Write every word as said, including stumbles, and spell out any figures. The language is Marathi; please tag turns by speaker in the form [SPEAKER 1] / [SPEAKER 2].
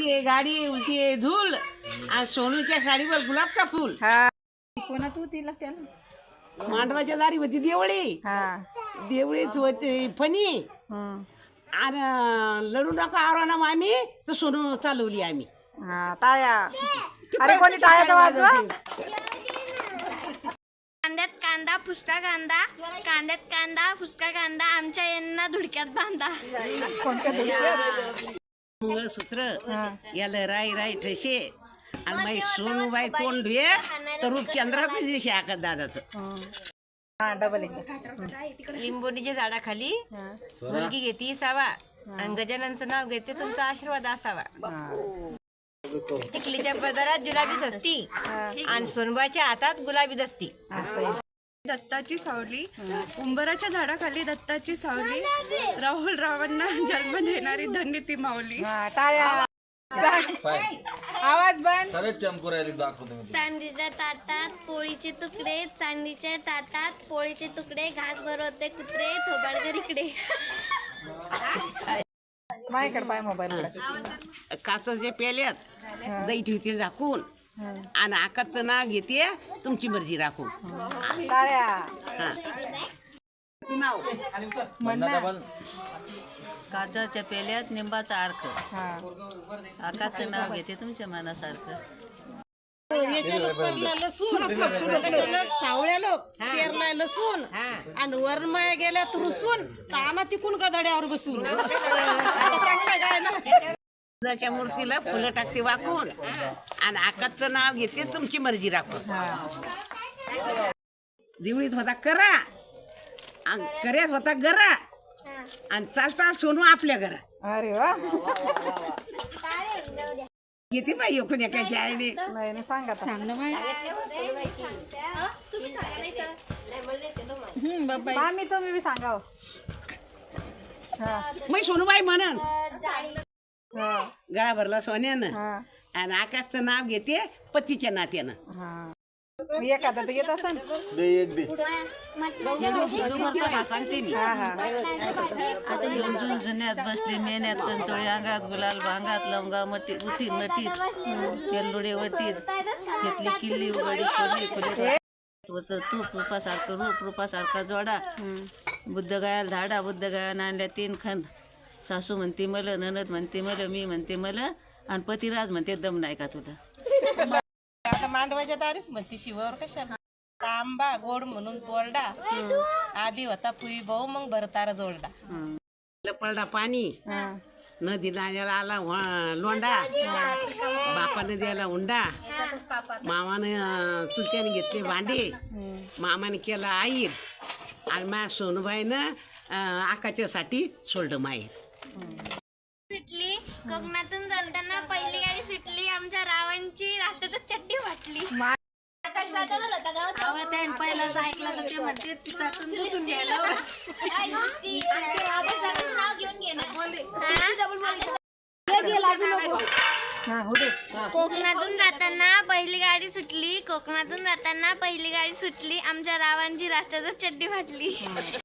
[SPEAKER 1] आहे गाडी उलटी आहे धूल आणि सोनूच्या साडीवर गुलाब का फूल.
[SPEAKER 2] कोणा तू तिला त्याला
[SPEAKER 1] मांडवाच्या दारी होती देवळी. देवळीत होती फणी आणि लढू नका आरोना आम्ही तर सोनू चालवली आम्ही.
[SPEAKER 2] टाळ्या. अरे कोणी टाळ्या तर वाजवा.
[SPEAKER 3] कांद्यात कांदा फुसका कांदा कांद्यात कांदा फुसका कांदा आमच्या यांना धुडक्यात बांधा.
[SPEAKER 1] मंगळसूत्र याला राई राई ठेसे आणि बाई सोनूबाई तोंड धुये तर रूप केंद्रात दिवशी आकात दादाचं.
[SPEAKER 4] लिंबोनीच्या झाडाखाली मुलगी घेते सावा आणि गजाननचं नाव घेते तुमचा आशीर्वाद असावा. टिकलीच्या पदरात जुलाबी सस्ती आणि सोनबाच्या हातात गुलाबी दस्ती.
[SPEAKER 5] दत्ताची सावली उंबराच्या झाडाखाली दत्ताची सावली राहुल रावांना जन्म देणारी धन्य ती माऊली.
[SPEAKER 2] आवाज बंद.
[SPEAKER 3] चांदीच्या ताटात पोळीचे तुकडे चांदीच्या ताटात पोळीचे तुकडे घास भरवते कुत्रे थोबाडकर इकडे.
[SPEAKER 2] माझ्याकडे पाय मोबाईल.
[SPEAKER 1] काचेच्या पेल्यात दही ठेवते झाकून आणि आकाचं नाव घेते तुमची मर्जी राखून. नाव
[SPEAKER 4] काचाच्या पेल्यात निंबाचा अर्क आकाचं नाव घेते तुमच्या मनासारखं.
[SPEAKER 6] सावळ्या लोक पेरलाय लसून आणि वरमाया गेल्या रुसून काना तिकून गदाड्यावर बसून.
[SPEAKER 1] तुळजाच्या मूर्तीला फुलं टाकते वाकून आणि आकाचं नाव घेते तुमची मर्जी राखून. दिवळीत होता करा आणि कर्यात होता गरा आणि चालता सोनू आपल्या घरात.
[SPEAKER 2] अरे वा.
[SPEAKER 1] किती पाहिजे कोण एकाच्या आईने
[SPEAKER 2] नाही सांगा सांग ना मी तुम्ही बी सांगा.
[SPEAKER 1] मग सोनूबाई म्हणन गळा भरला सोन्यानं आणि आकाशचं नाव घेते पतीच्या नात्यानं.
[SPEAKER 2] एखादा तर येत असं
[SPEAKER 4] सांगते मी. आता येऊन जुन जुन्यात बसले मेन्यात कंचोळी अंगात गुलाल भांगात लवंगा मटी उठी मटीत तेलडुडे वटीत घेतली किल्ली उघडी खोली खुले तूप रूपासारखं रूप रूपासारखा जोडा बुद्ध गायाला धाडा बुद्ध गायानं आणल्या तीन खंड. सासू म्हणते मला ननद म्हणते मला मी म्हणते मला आणि पतिराज म्हणते दम नाही का तुला.
[SPEAKER 6] आता मांडवाच्या दारीच म्हणते शिवावर कशाला तांबा गोड म्हणून तोरडा आधी होता पुई भाऊ मग भरतारा जोडला.
[SPEAKER 1] पडला पाणी नदी नाल्याला आला लोंडा बापाने द्यायला हुंडा मामानं चुलत्याने घेतले भांडे मामाने केला आईर आणि माझ्या सोनूबाईनं आकाच्यासाठी सोडलं माहीर.
[SPEAKER 3] सुटली कोकणातून जाताना पहिली गाडी सुटली आमच्या रावांची रस्त्यातच चड्डी वाटली. आकाश दादावर होता गाव पहिलाच ऐकला तर ते म्हणते तिचा बुसून घ्यायला काय गोष्टी आकाश दादाचं नाव घेऊन घे ना. कोकणातून जाताना पहिली गाडी सुटली कोकणातून जाताना पहिली गाडी सुटली आमच्या रावांची रस्त्यातच चड्डी फाटली.